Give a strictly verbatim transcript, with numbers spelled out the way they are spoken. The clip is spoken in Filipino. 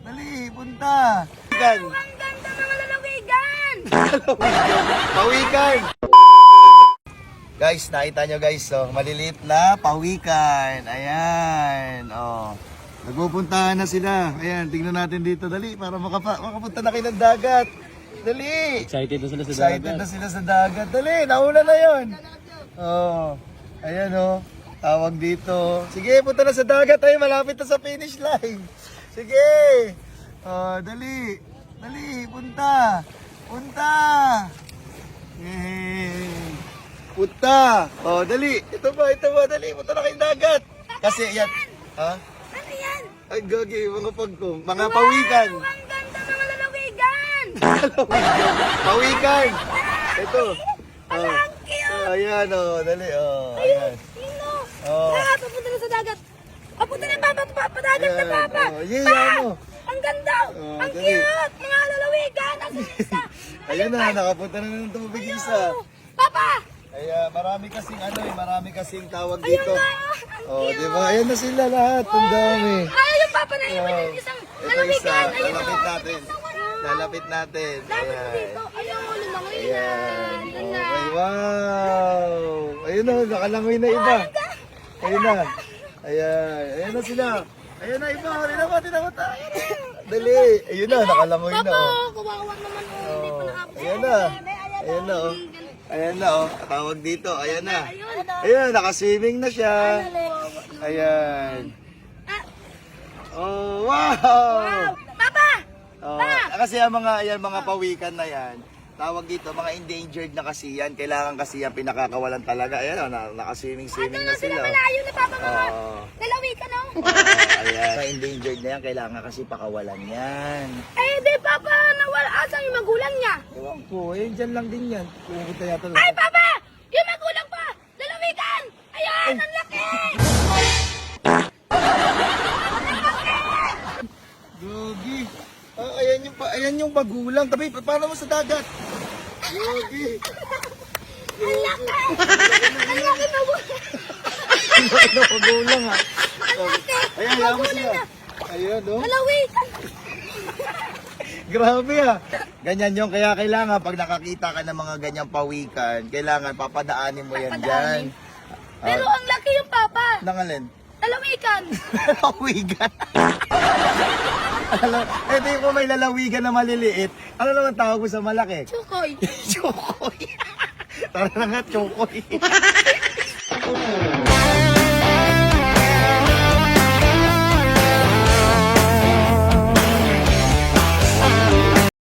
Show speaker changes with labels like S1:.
S1: Dali, punta. Pawikan.
S2: Ang ganda ng lalawigan!
S1: Pawikan. Guys, nakita nyo guys, oh, maliliit na pawikan. Ayan, oh. Nagpupuntahan na sila. Ayan, tingnan natin dito. Dali, para makapa makapunta na kayo ng dagat. Dali.
S3: Excited na sila sa
S1: Excited
S3: dagat.
S1: na sila sa dagat. Dali, nauna na yun. Oh, ayan oh. Tawag dito. Sige, punta na sa dagat. Ay, malapit na sa finish line. Sige. Oh, dali. Dali, punta. Punta. Yay. Punta. Oh, dali. Ito ba, ito ba, dali. Punta na kayong dagat. Kasi, yan. Ha?
S2: Ano yan?
S1: Ay, gagi, mga pagkong. Mga pawikan.
S2: Ang ganda ng lalawigan!
S1: Pawikan. Ito.
S2: Ang
S1: Oh.
S2: cute!
S1: Oh, ayan, oh. Dali, oh.
S2: Ayun,
S1: Ayan.
S2: sino?
S1: Oh.
S2: Ah, papunta na sa dagat. Papunta na papa, papadagat na
S1: Ayan,
S2: papa.
S1: oh. Yeah,
S2: Pa!
S1: ano?
S2: Ang ganda!
S1: Oh,
S2: Ang
S1: dali.
S2: cute! Mga lalawigan! Ang isa!
S1: Ayun na, nakapunta na ng tubig isa.
S2: Papa!
S1: Ayan, marami kasing ano eh, marami kasing tawag
S2: Ayun
S1: dito.
S2: na! Ang
S1: Oh,
S2: cute!
S1: di ba? Ayan na sila lahat. Ang dami.
S2: Ay, yung papa na iwan
S1: Oh.
S2: yung isang
S1: Ito isa,
S2: lalawigan! Ayun
S1: lalapit
S2: na!
S1: natin. Lalapit natin.
S2: Dami
S1: Ayan.
S2: dito! Ayun, lumangoy na!
S1: Ayan.
S2: Ayun na!
S1: Okay, wow. Ayun na, nakalangoy na iba. Ayun na. Ayan. Ayan na sila. Ayun na iba. Ayun na ba? Tinakot. Ayun na. Dali. Ayun na, nakalangoy na.
S2: Papa!
S1: Oh.
S2: Kawawa naman oh! Hindi pa
S1: Oh.
S2: nakapos.
S1: Ayan na. Ayan na oh. Ayan na oh. Tawag dito. Ayan na. Ayan, nakaswimming na siya. Ayan. Oh, wow.
S2: Wow! Papa!
S1: Oh, kasi ang mga ayan mga pawikan na yan, tawag dito mga endangered na kasi yan, kailangan kasi yan pinakakawalan talaga. Ayan oh, na, naka-swimming swimming
S2: Ano
S1: na
S2: na sila
S1: sila.
S2: malayo na papa mga
S1: Oh.
S2: lalawigan oh!
S1: Oh, ayan. Mga endangered na yan, kailangan kasi pakawalan yan.
S2: Eh di papa, nawala asan yung magulang niya?
S1: Ewan ko, eh, dyan lang din yan. Pumunta yata
S2: Ay papa! Yung magulang pa! Lalawigan! Ayan! Ang laki!
S1: Gogi. Ah, ayan yung pa, ayan yung magulang. Tabi, pa- paano mo sa dagat? Gogi.
S2: Ang laki! Ang laki magulang!
S1: Ang laki ng magulang ha.
S2: Ang laki!
S1: Ayan, ayan mo
S2: Magulang
S1: sila.
S2: na!
S1: Ayan, oh.
S2: Lalawigan!
S1: Grabe ah. Ganyan yung kaya kailangan pag nakakita ka ng mga ganyang pawikan, kailangan papadaanin mo yan dyan.
S2: Papadaanin? Pero ang laki yung papa!
S1: Nangalin?
S2: Lalawigan!
S1: Lalawigan. Alam, ito yung kung may lalawigan na maliliit. Ano naman tawag mo sa malaki?
S2: Chukoy!
S1: Chokoy. Tara na nga, chokoy.